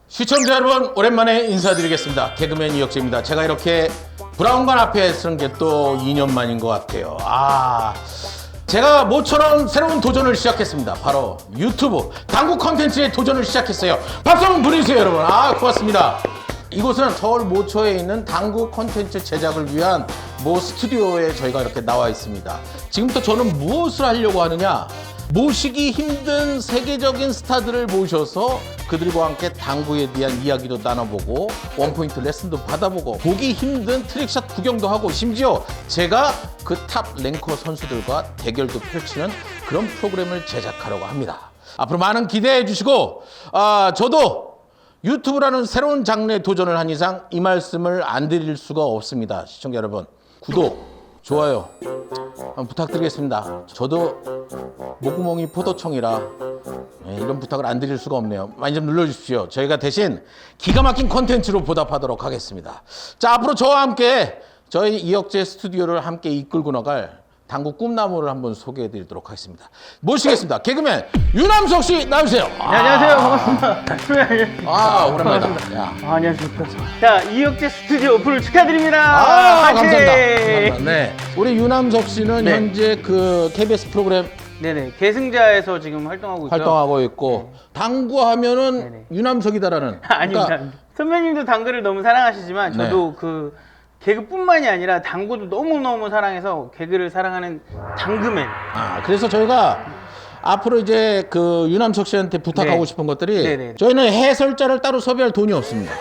시청자 여러분, 오랜만에 인사드리겠습니다. 개그맨 이혁재입니다. 제가 이렇게 브라운관 앞에 서는 게 또 2년 만인 것 같아요. 제가 모처럼 새로운 도전을 시작했습니다. 바로 유튜브 당구 컨텐츠의 도전을 시작했어요. 박수 한번 보내주세요, 여러분. 고맙습니다. 이곳은 서울 모초에 있는 당구 콘텐츠 제작을 위한 모 스튜디오에 저희가 이렇게 나와 있습니다. 지금부터 저는 무엇을 하려고 하느냐? 모시기 힘든 세계적인 스타들을 모셔서 그들과 함께 당구에 대한 이야기도 나눠보고 원포인트 레슨도 받아보고 보기 힘든 트릭샷 구경도 하고 심지어 제가 그 탑 랭커 선수들과 대결도 펼치는 그런 프로그램을 제작하려고 합니다. 앞으로 많은 기대해 주시고 저도 유튜브라는 새로운 장르에 도전을 한 이상 이 말씀을 안 드릴 수가 없습니다. 시청자 여러분, 구독, 좋아요 한번 부탁드리겠습니다. 저도 목구멍이 포도청이라 이런 부탁을 안 드릴 수가 없네요. 많이 좀 눌러주십시오. 저희가 대신 기가 막힌 콘텐츠로 보답하도록 하겠습니다. 자, 앞으로 저와 함께 저희 이혁재 스튜디오를 함께 이끌고 나갈 당구 꿈나무를 한번 소개해드리도록 하겠습니다. 모시겠습니다. 개그맨 유남석 씨 나오세요. 네, 안녕하세요. 반갑습니다. 오랜만이다. 안녕하십니까. 자, 이혁재 스튜디오 오픈을 축하드립니다. 감사합니다. 네, 우리 유남석 씨는 네. 현재 그 KBS 프로그램 네네. 계승자에서 지금 활동하고 있고요. 활동하고 있고 당구하면은 네네. 유남석이다라는. 아닙니다. 그러니까 선배님도 당구를 너무 사랑하시지만 네. 저도 그 개그뿐만이 아니라 당구도 너무너무 사랑해서 개그를 사랑하는 당구맨. 그래서 저희가 앞으로 이제 그 유남석 씨한테 부탁하고 네. 싶은 것들이 네네. 저희는 해설자를 따로 섭외할 돈이 없습니다.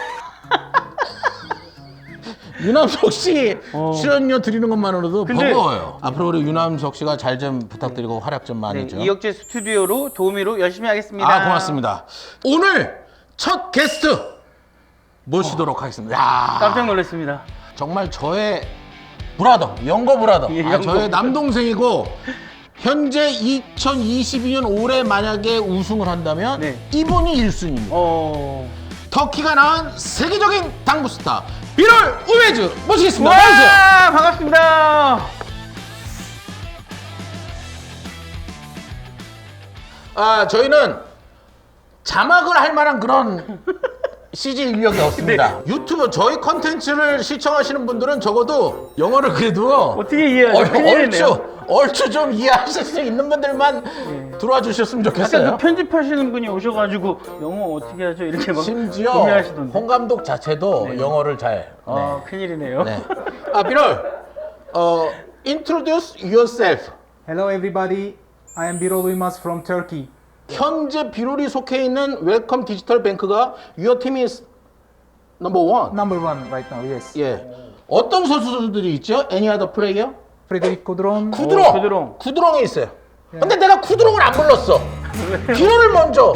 유남석 씨 출연료 드리는 것만으로도 근데- 버거워요. 앞으로 우리 유남석 씨가 잘 좀 부탁드리고 활약 좀 많이 네, 좀. 이혁재 스튜디오로 도우미로 열심히 하겠습니다. 고맙습니다. 오늘 첫 게스트 모시도록 하겠습니다. 깜짝 놀랐습니다. 정말 저의 브라더, 영거 브라더, 예, 영거 저의 브라더. 남동생이고 현재 2022년 올해 만약에 우승을 한다면 네. 이분이 1순위입니다. 터키가 낳은 세계적인 당구 스타 비롤 우메즈 모시겠습니다. 나오세요. 와, 반갑습니다. 저희는 자막을 할 만한 그런 CG 인력이 없습니다. 유튜브 저희 컨텐츠를 시청하시는 분들은 적어도 영어를 그래도 어떻게 이해하죠? 큰일이네요. 얼추 좀 이해하실 수 있는 분들만 들어와 주셨으면 아까 좋겠어요. 그 편집하시는 분이 오셔가지고 영어 어떻게 하죠? 이렇게 막 심지어 고민하시던데. 홍 감독 자체도 영어를 잘. 큰일이네요. 네. 비롤, introduce yourself. Hello everybody, I am Birol Uymaz from Turkey. 현재 비롤이 속해 있는 웰컴 디지털 뱅크가 your team is number one. Number one right now, yes. 예. 어떤 선수들이 있죠? Any other player? Frederic Codron. 쿠드롱. 쿠드롱이 있어요. 근데 내가 쿠드롱을 안 불렀어. 비롤을 먼저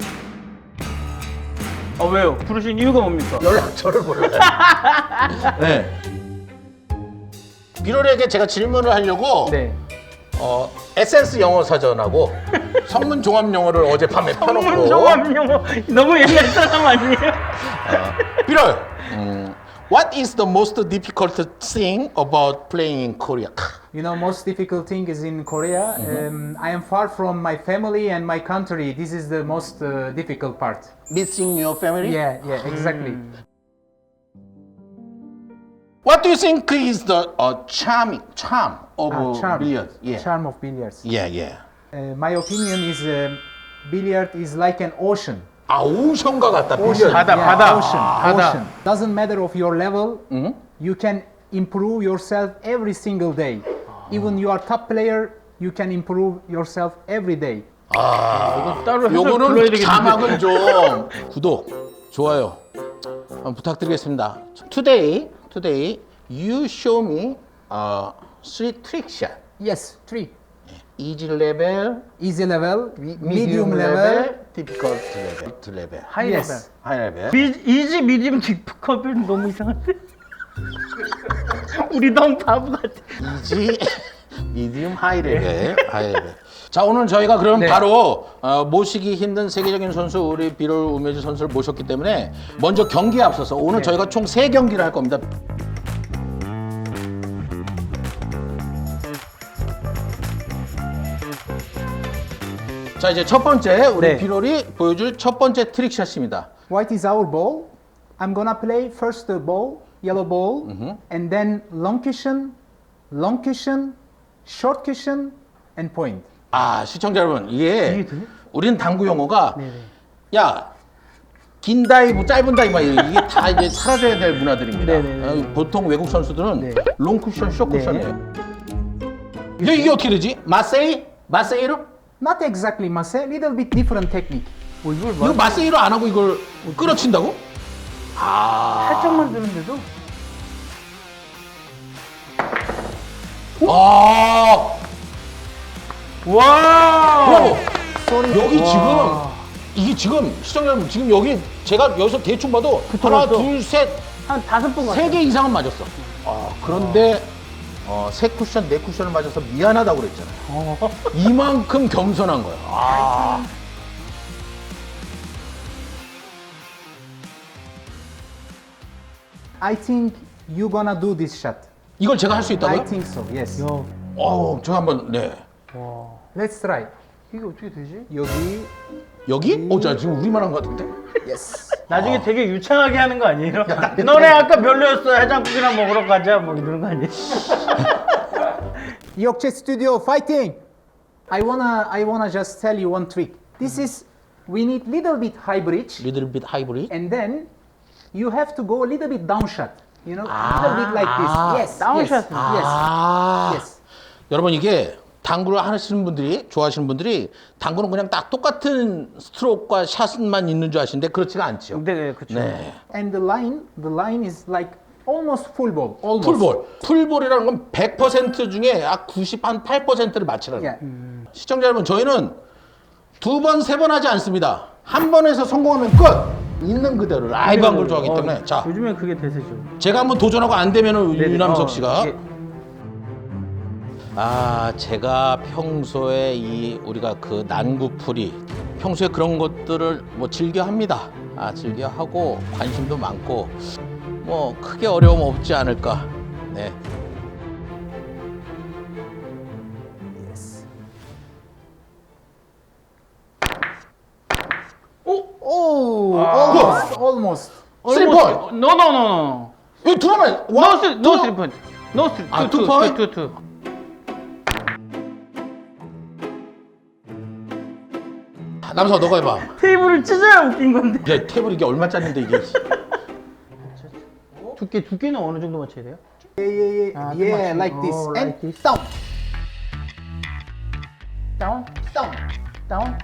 왜요? 부르신 이유가 뭡니까? 연락처를 불러요. 네. 비롤에게 제가 질문을 하려고 네. 에센스 영어 사전하고 성문 종합 영어를 어젯밤에 펴놓고 성문종합 영어 너무 옛날 사람 아니에요? 비롤, what is the most difficult thing about playing in Korea? You know, most difficult thing is in Korea. I am far from my family and my country. This is the most difficult part. Missing your family? Yeah, exactly. What do you think is the charm of Charm. billiards? Yeah. Charm of billiards. Yeah. My opinion is billiard is like an ocean. 오션과 같다. Ocean. 빌리언. 바다. Ocean. Doesn't matter of your level. You can improve yourself every single day. Even you are top player, you can improve yourself every day. 따로 해서 불러야 요거는 되겠는데. 자막은 좀 구독, 좋아요 한번 부탁드리겠습니다. Today you show me three trick shot. Yes, three. Easy level, Easy level, medium level. difficult level. 하이 Yes. high level. 이지 미디움 딥컵은 너무 이상한데? 우리 너무 바보 같아. Easy, medium, high level. 자, 오늘 저희가 그럼 네. 바로 모시기 힘든 세계적인 선수 우리 비롤 우메즈 선수를 모셨기 때문에 먼저 경기에 앞서서 오늘 저희가 총 3경기를 할 겁니다. 자, 이제 첫 번째 우리 네. 비롤이 보여줄 첫 번째 트릭샷입니다. White is our ball. I'm gonna play first the ball, yellow ball, and then long cushion, short cushion, and point. 아, 시청자 여러분, 이게 이게 돼? 우리는 당구 용어가 네네. 야, 긴 다이브, 짧은 다이브 이게 다 이제 사라져야 될 문화들입니다. 네네네. 보통 외국 선수들은 네. 롱 쿠션, 숏 네. 쿠션이에요. 이게 어떻게 되지? 마세이로? Not exactly masse, little bit different technique. 이걸 이거 마세이로 안 하고 이걸 끌어친다고? 살짝만 드는데도 아, 와. 브라보. Sorry. 여기 와. 지금 이게 지금 시청자 여러분 지금 여기 제가 여기서 대충 봐도 하나, 붙어놨어. 둘, 셋, 한 5번 갔어. 3개 이상은 맞았어. 그런데 세 쿠션, 네 쿠션을 맞아서 미안하다고 그랬잖아요. 이만큼 겸손한 거야. I think you gonna do this shot. 이걸 제가 할 수 I 있다고요? think so. Yes. 야, 저 한번 네. 와. Let's try. 이게 어떻게 되지? 여기. 여기? 자 지금 우리만 한 것 같은데? Yes. 나중에 되게 유창하게 하는 거 아니에요? 너네 아까 별로였어. 해장국이나 먹으러 가자. 뭐 이러는 거 아니에요? Yokche Studio fighting. I wanna just tell you one trick. This is we need little bit high bridge, Little bit hybrid. and then you have to go a little bit down shot. You know, little bit like this. Yes. down yes, shot. Yes. Yes. 여러분 이게 당구를 하시는 분들이 좋아하시는 분들이 당구는 그냥 딱 똑같은 스트로크와 샷만 있는 줄 아시는데 그렇지가 않죠. 네, 그렇죠. 네. And the line is like almost full ball. Almost. 풀볼. 풀볼이라는 건 100% 중에 약 98%를 맞추라는 거예요. Yeah. 시청자 여러분, 저희는 2번, 3번 하지 않습니다. 한 번에서 성공하면 끝! 있는 그대로 라이브 한 걸 좋아하기 때문에. 자, 요즘엔 그게 대세죠. 제가 한번 도전하고 안 되면 네네. 유남석 씨가. 이게 제가 평소에 우리가 그 난구풀이 평소에 그런 것들을 뭐 즐겨 합니다. 즐겨 하고 관심도 많고 뭐 크게 어려움 없지 않을까. 네. Yes. 오! Oh, almost. Three point. No. 이거 두 번만. No 3 point. No 3. 2 point? 2. 남서 너가 해봐. 테이블을 찢어야 웃긴 건데. 이제 테이블 이게 얼마짜리인데 이게. 두께는 어느 정도 맞춰야 돼요? Yeah, like this. Oh, And like this. down. 다운? Down.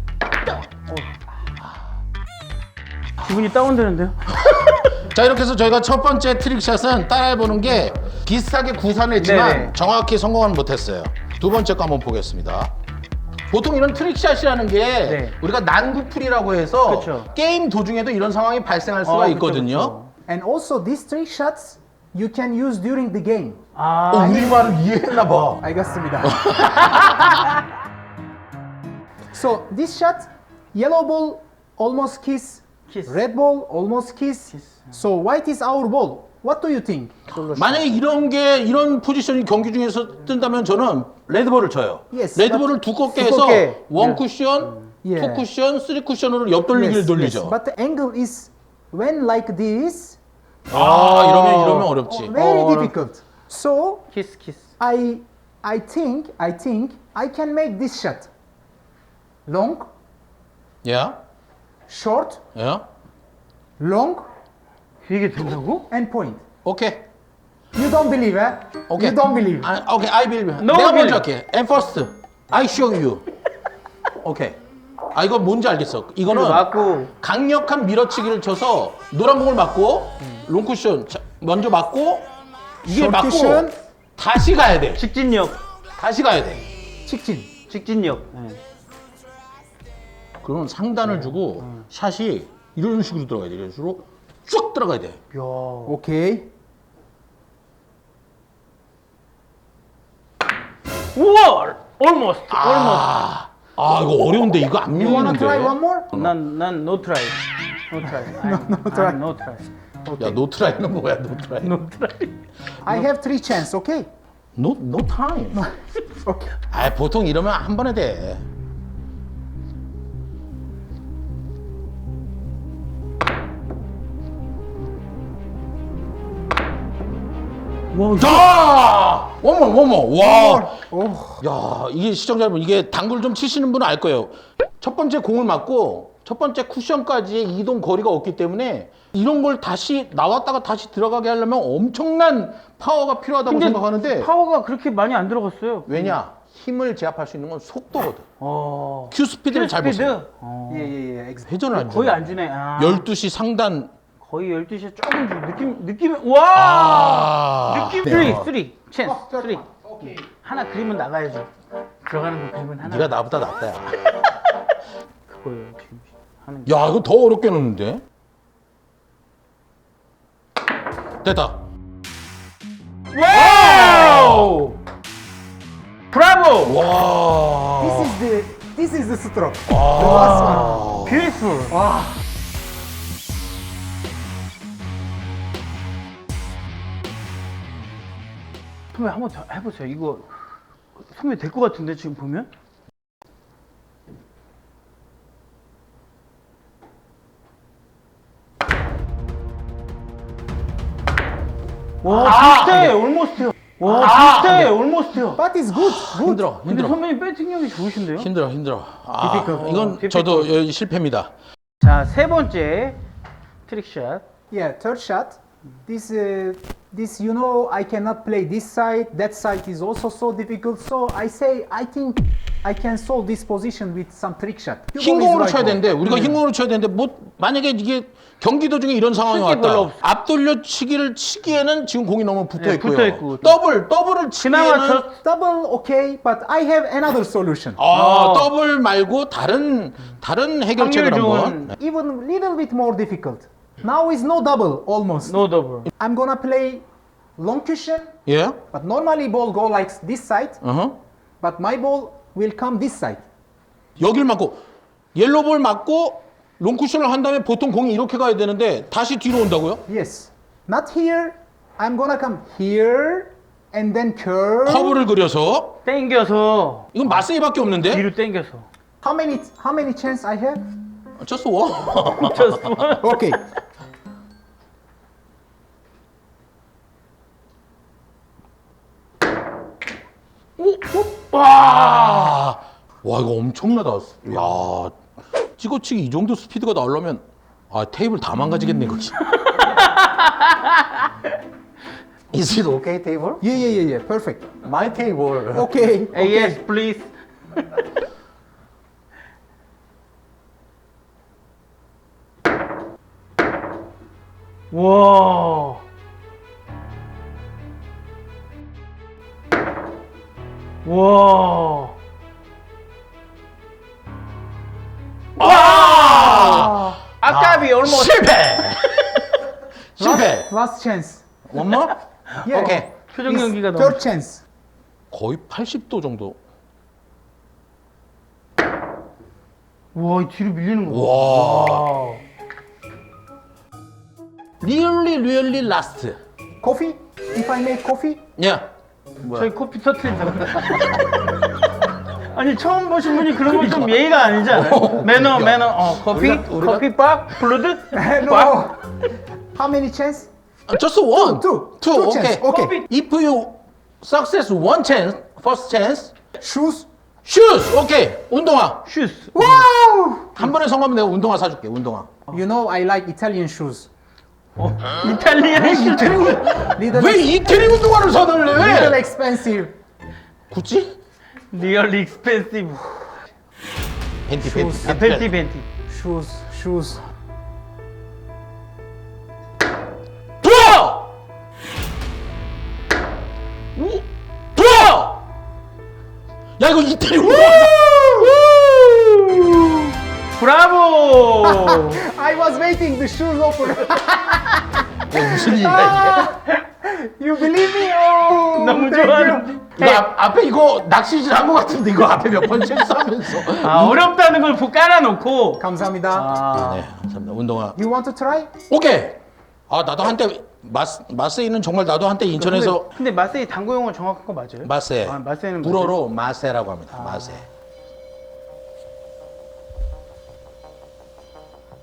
기분이 다운되는데요? 자, 이렇게 해서 저희가 첫 번째 트릭샷은 따라해보는 게 비슷하게 구사했지만 네네. 정확히 성공은 못했어요. 두 번째 거 한번 보겠습니다. 보통 이런 트릭샷이라는 게 네. 우리가 난구풀이라고 해서 그쵸. 게임 도중에도 이런 상황이 발생할 수가 그쵸, 있거든요. 그쵸. And also these three shots you can use during the game. 우리 말을 이해했나 봐. 알겠습니다. So this shot, yellow ball almost kiss, Kiss. red ball almost kiss. So white is our ball. What do you think? 만약에 이런 포지션이 경기 중에서 뜬다면 저는 레드볼을 쳐요. Yes, 레드볼을 두껍게 해서 두껍게. 원 쿠션, Yeah. 투 쿠션, 쓰리 쿠션으로 옆돌리기를 돌리죠. But the angle is when like this, 이러면 어렵지. very Oh. difficult. So 키스. I think I can make this shot. Long, 예? short, 예? long, 이게 된다고? and point. 오케이. You don't believe, eh? 오케이. You don't believe. 오케이, I believe. No 내가 believe. 먼저 할게. And first, I show you. 오케이. 이거 뭔지 알겠어. 이거는 맞고 강력한 밀어치기를 쳐서 노란 공을 맞고 롱쿠션 먼저 맞고 이게 Short 맞고 cushion. 다시 가야 돼. 직진력. 다시 가야 돼. 직진력. 네. 그러면 상단을 주고 샷이 이런 식으로 들어가야 돼. 이런 식으로 쭉 들어가야 돼. 야. Okay. 우와! almost. 이거 어려운데 이거 안 You wanna 밀리는데. try one more? 난 no try. No try. no try. No try. 야, 노트라이는 뭐야, 노트라이. No try. I have three chance, okay? No time. Okay. 보통 이러면 한 번에 돼. 와, 자! 어머, 와. 오. 야, 이게 시청자 여러분, 이게 당구를 좀 치시는 분은 알 거예요. 첫 번째 공을 맞고 첫 번째 쿠션까지의 이동 거리가 없기 때문에 이런 걸 다시 나왔다가 다시 들어가게 하려면 엄청난 파워가 필요하다고 생각하는데 파워가 그렇게 많이 안 들어갔어요. 왜냐? 힘을 제압할 수 있는 건 속도거든. 어. 큐 스피드를 잘 보세요. 예. 회전을 안 거의 주네. 안 주네. 아. 12시 상단. 거의 12시에 조금 느낌 와! 아. 느낌 네. 3 찬스 3 오케이. 하나 그림은 나가야죠. 들어가는 거 그림은 하나. 네가 나보다 낫다, 야. 그거예요 지금 하는 게. 야, 이거 더 어렵게 넣는데? 됐다. 와우! 브라보! 와. This is the stroke. The last one. 뷰티풀. 와. 선배 한번 더 해보세요. 이거 선배 될 것 같은데 지금 보면? 와 비슷해 올모스트요. 와 비슷해 올모스트요. But it's good. 힘들어, 근데 힘들어. 선배님 배팅력이 좋으신데요? 힘들어. 아, Difficult. 이건 difficult. 저도 실패입니다. 자 세 번째 트릭샷. Yeah, third shot. This you know I cannot play this side. That side is also so difficult. So I say I think I can solve this position with some trick shot. 흰공으로 쳐야 되는데 우리가 흰공으로 쳐야 되는데 뭐 만약에 이게 경기 도중에 이런 상황이 쓸게 별로 왔다. 없어. 앞돌려 치기를 치기에는 지금 공이 너무 붙어 네, 있고요. 붙어 있고. 더블을 그나마 치기에는 저 Double okay, but I have another solution. 더블 말고 다른 해결책을 확률 좋은 한번. Even little bit more difficult. Now is no double almost. 노 더블. I'm gonna play long cushion, 예? but normally ball go like this side, 어허. but my ball will come this side. 여길 맞고 옐로볼 맞고 롱쿠션을 한 다음에 보통 공이 이렇게 가야 되는데 다시 뒤로 온다고요? Yes. Not here. I'm gonna come here and then curve. 커브를 그려서 땡겨서 이건 마세이밖에 없는데? 뒤로 땡겨서. How many chance I have? just one. Okay. 와, 와 이거 엄청나다. 야, 찍어치기 이 정도 스피드가 나오려면 테이블 다 망가지겠네 이거. Is it okay table? Yeah. Perfect. My table. Okay. Yes, please. 와. 와. 아까비 얼마 실패. 실패. Last chance. One more? Yeah. 오케이. 표정 It's 연기가 너무 third chance. 거의 80도 정도. 와, 이 뒤로 밀리는 거. 와. Really last. Coffee? If I make coffee? 야. 저희 커피 터트린다고. 아니 처음 보신 분이 그런 건 좀 예의가 아니지 않아요? 매너. 커피? 우리가- 커피 박? 블루드? No. How many chance? Just one. Two okay. chance. Okay. If you success one chance, first chance, Shoes. shoes. 오케이. 운동화. 슈스. Wow. 한 번에 성공하면 내가 운동화 사줄게. 운동화. You know I like Italian shoes. 이탈리안 슈즈. Little, 왜 이태리 운동화를 사달래? little 왜? expensive. 구찌? 리얼 익스펜시브. 벤티. 벤티. Shoes. 들어! 들어! 야 이거 이태리 운동화. 브라보! I was waiting the shoes open. 무슨 일이야 You believe me? Oh. 너무 thank 좋아. you. 이게? 이거 앞에 이거 낚시질 한 것 같은데 이거 앞에 몇 번 실수하면서. 아, 어렵다는 걸 깔아놓고. 감사합니다. 아, 네, 감사합니다. 운동화. You want to try? 오케이. 나도 한때 마세이는 정말 나도 한때 인천에서 근데 마세이 당구 용어 정확한 거 맞아요? 마세. 아, 마세는 불어로 마세라고 합니다. 마세.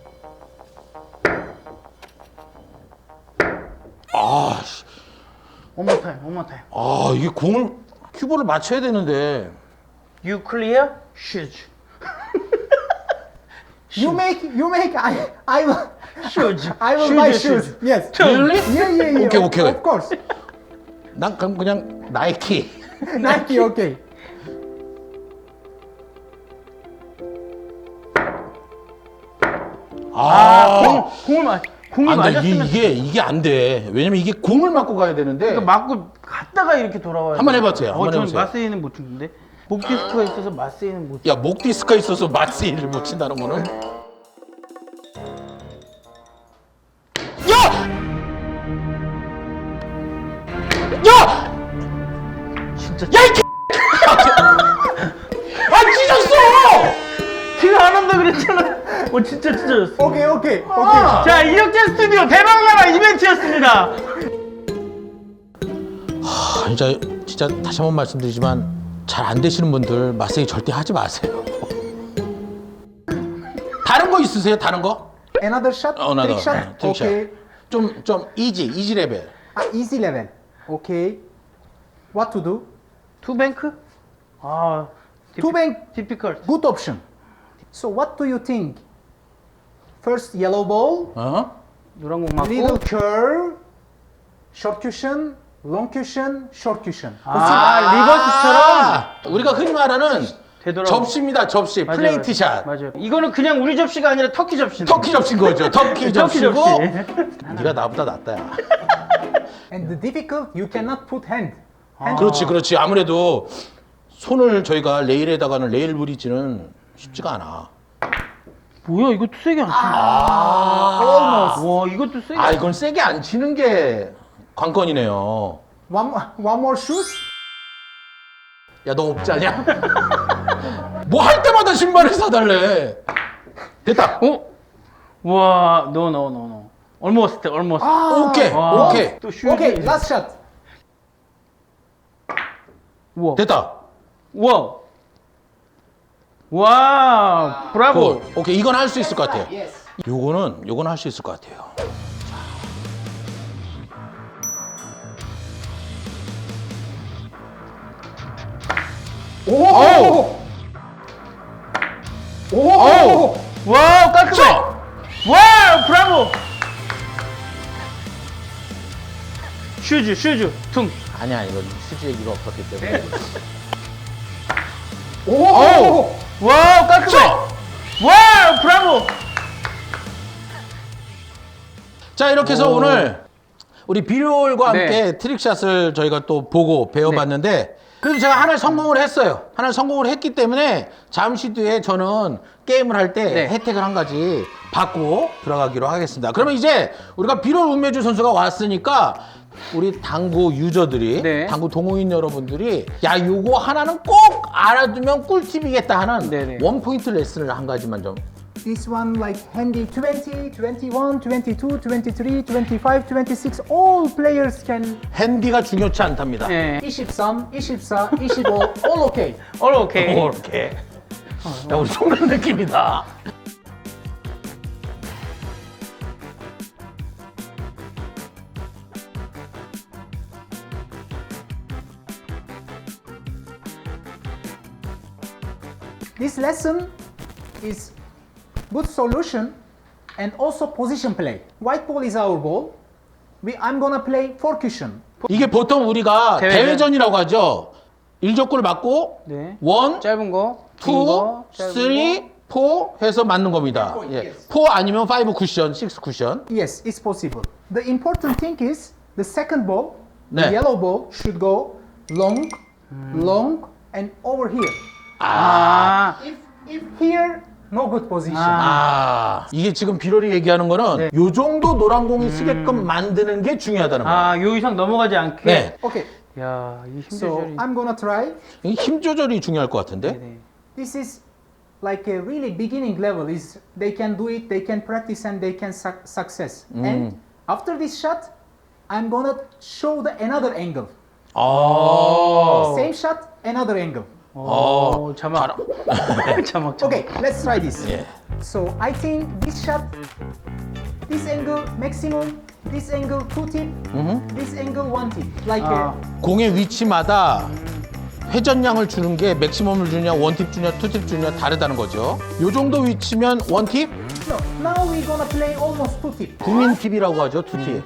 씨. One more time, one more time. 아, 이게 공을 큐브를 맞춰야 되는데. You clear? Shoot. You make. I will. Shoot. I will Shoot, buy shoot. shoes. Yes. Really? Yeah. Okay, okay. Of course. 난 그럼 그냥 나이키. Nike. Okay. 공을 안 돼. 맞았으면 이게 안 돼. 왜냐면 이게 공을 맞고 가야 되는데. 그러니까 맞고 갔다가 이렇게 돌아와요. 한번 해보세요. 한번 저는 해보세요. 마세이는 못 치는데 목 디스크가 있어서 마세이는 못. 야, 목 디스크가 있어서 마스일을 못 친다는 거는. 야! 야! 진짜 야, 이 아, 찢었어! 제가 안 한다 그랬잖아. 진짜 찢어졌어. Okay. 자, 이혁재 스튜디오 대박나라 이벤트였습니다. 진짜 다시 한번 말씀드리지만 잘 안 되시는 분들 마세이 절대 하지 마세요. 다른 거 있으세요? 다른 거? Another shot. Another, Trick shot. trick Okay. 좀 이지 레벨. Easy level. Okay. What to do? 투뱅크? 아, Two-bank. difficult. Good option. So what do you think? First yellow ball, 노란 공 맞고. little curve, short cushion, long cushion, short cushion. 리버스처럼 우리가 흔히 말하는 되돌아. 접시입니다. 접시. 맞아요, 플레이트 맞아요. 샷. 맞아요. 이거는 그냥 우리 접시가 아니라 터키 접시. 터키 접시인 거죠. 터키 접시고. 접시. 네가 나보다 낫다. 야. And the difficult, you cannot put hand. 그렇지. 아무래도 손을 저희가 레일에다가는 레일 브릿지는 쉽지가 않아. 뭐야, 이것도 세게 안 치네. Almost. 와, 이것도 세게. 아, 이건 세게 안 치는 게 관건이네요. One more shoes. 야, 너 없지 않냐? 뭐 할 때마다 신발을 사달래. 됐다. 와, no. Almost. 오케이. 와. 오케이. 또 슈즈. Okay, last shot. 우와. 됐다. 우와. 와, 브라보. 오케이. 이건 할 수 있을 것 같아요. Yes. 요거는 할 수 있을 것 같아요. 오! 오! 와, 깔끔해. 자! 와, 브라보. 슈즈, 퉁. 아니야, 이건 수지 얘기가 없었기 때문에. 오! 와, 깔끔해. 와, 브라보. 자, 이렇게 해서 오늘 우리 비료올과 네. 함께 트릭샷을 저희가 또 보고 배워봤는데 그래도 제가 하나를 성공을 했어요. 하나를 성공을 했기 때문에 잠시 뒤에 저는 게임을 할 때 네. 혜택을 한 가지 받고 들어가기로 하겠습니다. 그러면 이제 우리가 비료올 운매주 선수가 왔으니까 우리 당구 유저들이 네. 당구 동호인 여러분들이 야 요거 하나는 꼭 알아두면 꿀팁이겠다 하는 네네. 원포인트 레슨을 한 가지만 좀. This one like handy 20, 21, 22, 23, 25, 26. All players can 핸디가 중요치 않답니다. 네. 23, 24, 25. All okay. 오케이. 이렇게. 야, 우리 속는 느낌이다. This lesson is good solution and also position play. White ball is our ball. I'm gonna play 4 cushion. 이게 보통 우리가 대회전. 대회전이라고 하죠. 1족구를 맞고 네. 1, 짧은 거, 2, 긴 거, 짧은 3, 4 해서 맞는 겁니다. 예. 4 아니면 5 쿠션, 6 쿠션. Yes, it's possible. The important thing is the second ball, the 네. yellow ball should go long, long and over here. 아, If here, no good position. 아, 이게 지금 비롤이 얘기하는 거는 네. 요 정도 노란 공이 쓰게끔 만드는 게 중요하다는 거예요. 아, 요 이상 넘어가지 않게. 네. Okay, 야, 이 힘 so 조절이. I'm gonna try. 이 힘 조절이 중요할 것 같은데. 네. This is like a really beginning level. Is they can do it, they can practice, and they can success. And after this shot, I'm gonna show the another angle. 아. Same shot, another angle. 오, 자막. 자막. Okay, let's try this. 예. So I think this shot, this angle maximum this angle 2 tip, this angle 1 tip. Like 공의 위치마다 회전량을 주는 게 맥시멈을 주냐, 원팁 주냐, 투팁 주냐 다르다는 거죠. 요 정도 위치면 원팁, no, now we're gonna play almost 2 tip. 국민 팁이라고 하죠, 투팁.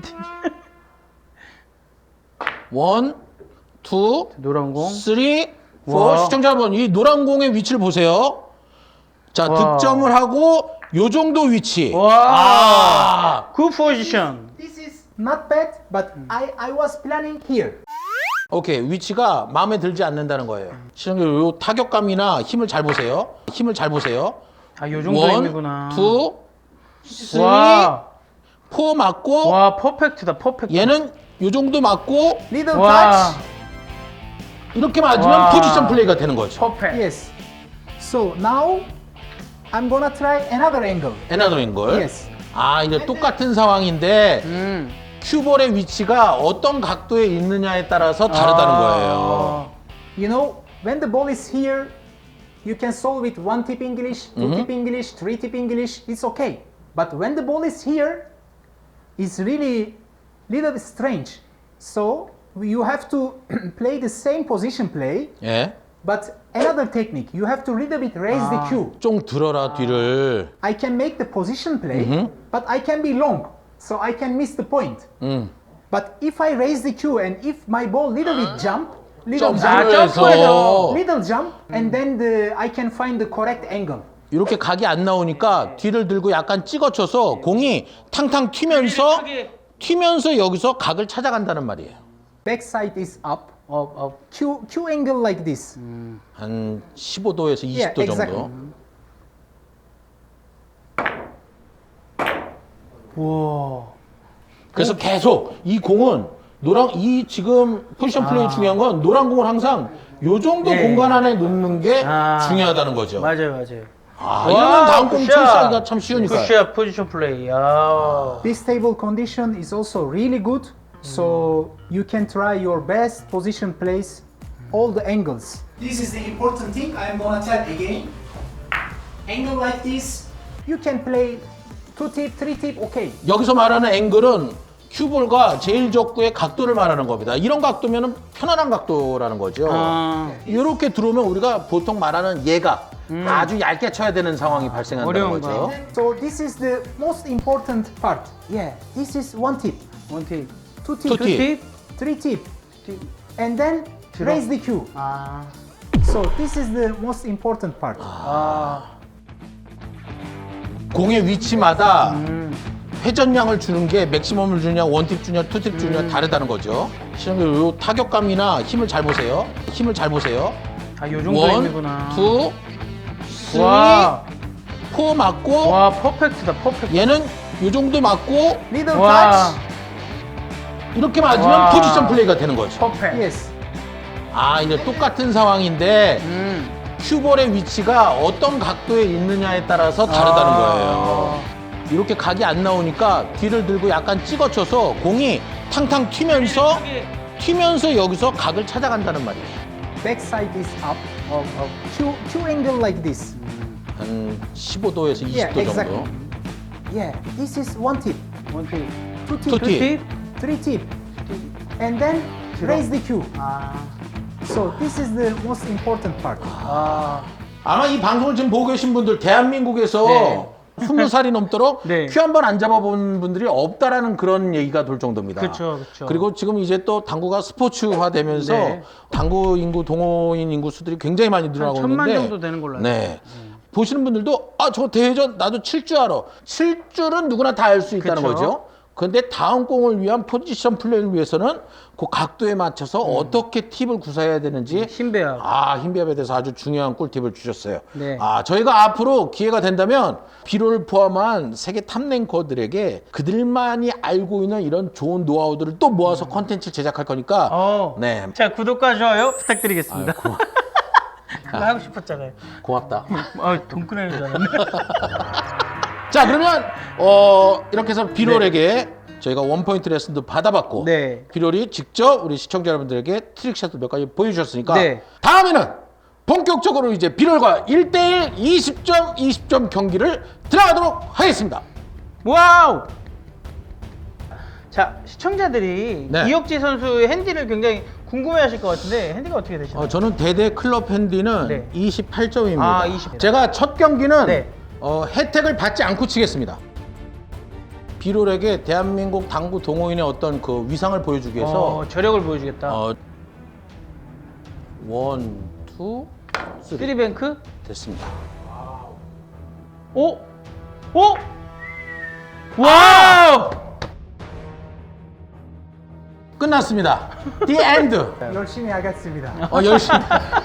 원, 투, 노란 공. 쓰리, 포. 와. 시청자 여러분, 이 노란 공의 위치를 보세요. 자, 와. 득점을 하고 요 정도 위치. 와. 굿 포지션. This is not bad, but I was planning here. 오케이, 위치가 마음에 들지 않는다는 거예요. 시청자 여러분, 요 타격감이나 힘을 잘 보세요. 힘을 잘 보세요. 아, 요 정도 원, 힘이구나. 투, 쓰리, 와. 포 맞고 와, 퍼펙트다. 퍼펙트. 얘는 요 정도 맞고 Little 와. touch. 이렇게 맞으면 와. 포지션 플레이가 되는 거죠. 퍼펙트. Yes. So now I'm gonna try another angle. 에나더인 걸. Yes. 아, 이제 똑같은 상황인데 음. 큐볼의 위치가 어떤 각도에 있느냐에 따라서 다르다는 거예요. You know, when the ball is here, you can solve it 1 tip English, 2 tip English, 3 tip English, it's okay. But when the ball is here, it's really little bit strange. So you have to play the same position play, 예. but another technique. You have to little bit raise the cue. 좀 들어라 뒤를. I can make the position play, but I can be long, so I can miss the point. But if I raise the cue and if my ball little bit jump, little 점프를 jump, 해서 little jump, and then I can find the correct angle. 이렇게 각이 안 나오니까 뒤를 들고 약간 찍어쳐서 공이 탕탕 튀면서 여기서 각을 찾아간다는 말이에요. Backside is up. 업. Cue angle like this. 한 15도에서 20도 Yeah, exactly. 정도. 와. 그래서 계속 이 공은 이 지금 포지션 플레이 중요한 건 노란 공을 항상 요 정도 예. 공간 안에 넣는 게 아. 중요하다는 거죠. 맞아요. 아, 이러면 다음 공 출사하기가 참 쉬우니까. 굿샷 포지션 플레이. 야. This table condition is also really good, so you can try your best position plays, all the angles. This is the important thing I'm gonna tell again. Angle like this, you can play 2 tip, 3 tip, okay. 여기서 말하는 앵글은 큐볼과 제일 적구의 각도를 말하는 겁니다. 이런 각도면은 편안한 각도라는 거죠. 아. 이렇게 들어오면 우리가 보통 말하는 얘가 아주 얇게 쳐야 되는 상황이 발생한다는 어려운 거죠. 거. So this is the most important part. Yeah, this is 1 tip, 원팁. 2 tip, Two tip. 3 tip, and then raise the cue. 아. So this is the most important part. 공의 위치마다 회전량을 주는 게 맥시멈을 주냐, 원팁 주냐, 투팁 주냐 다르다는 거죠. 시청자 요 타격감이나 힘을 잘 보세요. 힘을 잘 보세요. 아, 요 정도 원, 힘이구나. 투, 쓰리, 와. 포 맞고 와, 퍼펙트다. 퍼펙트. 얘는 요 정도 맞고 Little 와. touch. 이렇게 맞으면 와. 포지션 플레이가 되는 거죠. 퍼펙트. Yes. 아, 이제 똑같은 상황인데 음. 큐볼의 위치가 어떤 각도에 있느냐에 따라서 다르다는 거예요. 이렇게 각이 안 나오니까 뒤를 들고 약간 찍어쳐서 공이 탕탕 튀면서 여기서 각을 찾아간다는 말이에요. Backside is up. Cue angle like this. 한 15도에서 20도 Yeah, exactly. 정도. Yeah, this is 1 tip, 원팁. 2 tip, Two tip. 3 tip, and then raise the cue. 아. So this is the most important part. 아. 아마 이 방송을 지금 보고 계신 분들 대한민국에서 네. 20살이 넘도록 네. 큐 한 번 안 잡아본 분들이 없다라는 그런 얘기가 돌 정도입니다. 그쵸. 그리고 지금 이제 또 당구가 스포츠화되면서 네. 당구 인구, 동호인 인구 수들이 굉장히 많이 늘어나고 한 1000만 있는데 정도 되는 걸로 알고 네. 보시는 분들도 저 대회전 나도 칠 줄 알아. 칠 줄은 누구나 다 알 수 있다는 그쵸. 거죠. 그런데 다음 공을 위한 포지션 플레이를 위해서는 그 각도에 맞춰서 어떻게 팁을 구사해야 되는지 힘배합. 힘배합에 대해서 아주 중요한 꿀팁을 주셨어요. 네. 저희가 앞으로 기회가 된다면 비로를 포함한 세계 탑랭커들에게 그들만이 알고 있는 이런 좋은 노하우들을 또 모아서 컨텐츠를 제작할 거니까 네. 자, 구독과 좋아요 부탁드리겠습니다. 아유, 그거 하고 싶었잖아요. 고맙다. 돈 끊어야 줄 알았네. 자, 그러면 이렇게 해서 비롤에게 저희가 원포인트 레슨도 받아봤고 네. 비롤이 직접 우리 시청자 여러분들에게 트릭샷을 몇 가지 보여주셨으니까 네. 다음에는 본격적으로 이제 비롤과 1대1 20점 경기를 들어가도록 하겠습니다. 와우! 자, 시청자들이 네. 이혁지 선수의 핸디를 굉장히 궁금해하실 것 같은데 핸디가 어떻게 되시나요? 저는 대대 클럽 핸디는 네. 28점입니다. 아, 20. 제가 첫 경기는 네. 혜택을 받지 않고 치겠습니다. 비롤에게 대한민국 당구 동호인의 어떤 그 위상을 보여주기 위해서 저력을 보여주겠다. 원, 투, 쓰리 쓰리뱅크? 됐습니다. 오? 오? 와우! 끝났습니다. The end. 열심히 하겠습니다. 열심히.